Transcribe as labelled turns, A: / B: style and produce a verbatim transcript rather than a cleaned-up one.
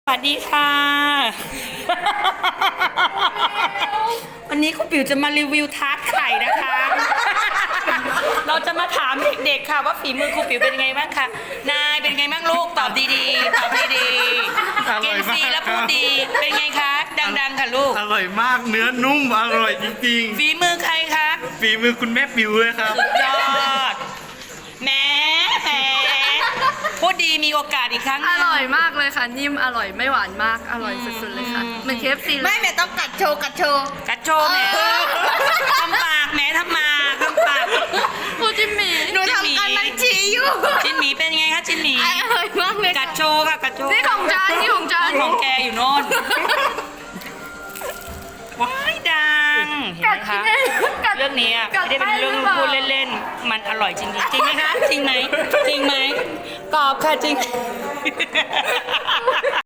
A: สวัสดีค่ะ วันนี้คุณปิ๋วจะมารีวิวทาร์ตไข่นะคะ เราจะมาถามเด็กๆค่ะว่าฝีมือครูปิ๋วเป็นไงบ้างคะนายเป็นไงบ้างลูกตอบดีๆตอบดีๆกินฟรีแล้วพูดดีเป็นไงคะดังๆค่ะลูก
B: อร่อยมากเนื้อนุ่มอร่อยจริง
A: ฝีมือใครคะ
B: ๆฝีมือคุณแม่ปิวเลยครับ
A: สุดยอดแหมแหมพูดดีมีโอกาสอีกครั้งห
C: อ
A: นึ่ง
C: ร่อยมากเลยค่ะ นิ่มอร่อยไม่หวานมากอร่อยสุดๆเลยค่ะเหมือนเคฟซีเล
D: ไม่
C: ย
D: แม่ต้องกัดโชว์กัดโชว์
A: กัดโชว์แหมทำปากแหมทำมาทำปาก
C: พูดจิมมี่
D: หนูทำการบัญชีอยู่
A: จินหมีเป็นไงคะจินหมี
D: อร่อยมากเลย
A: กัดโชว์ค่ะกัดโชว์
C: นี่ของจานนี่ของจาน
A: ของแกอยู่โน่นว้ายดังเห็นไหมคะเรื่องนี้อะไม่ได้เป็นเรื่องพูดเล่นๆมันอร่อยจริงๆจริงไหมคะจริงไหมจริงไหมตอบค่ะจริง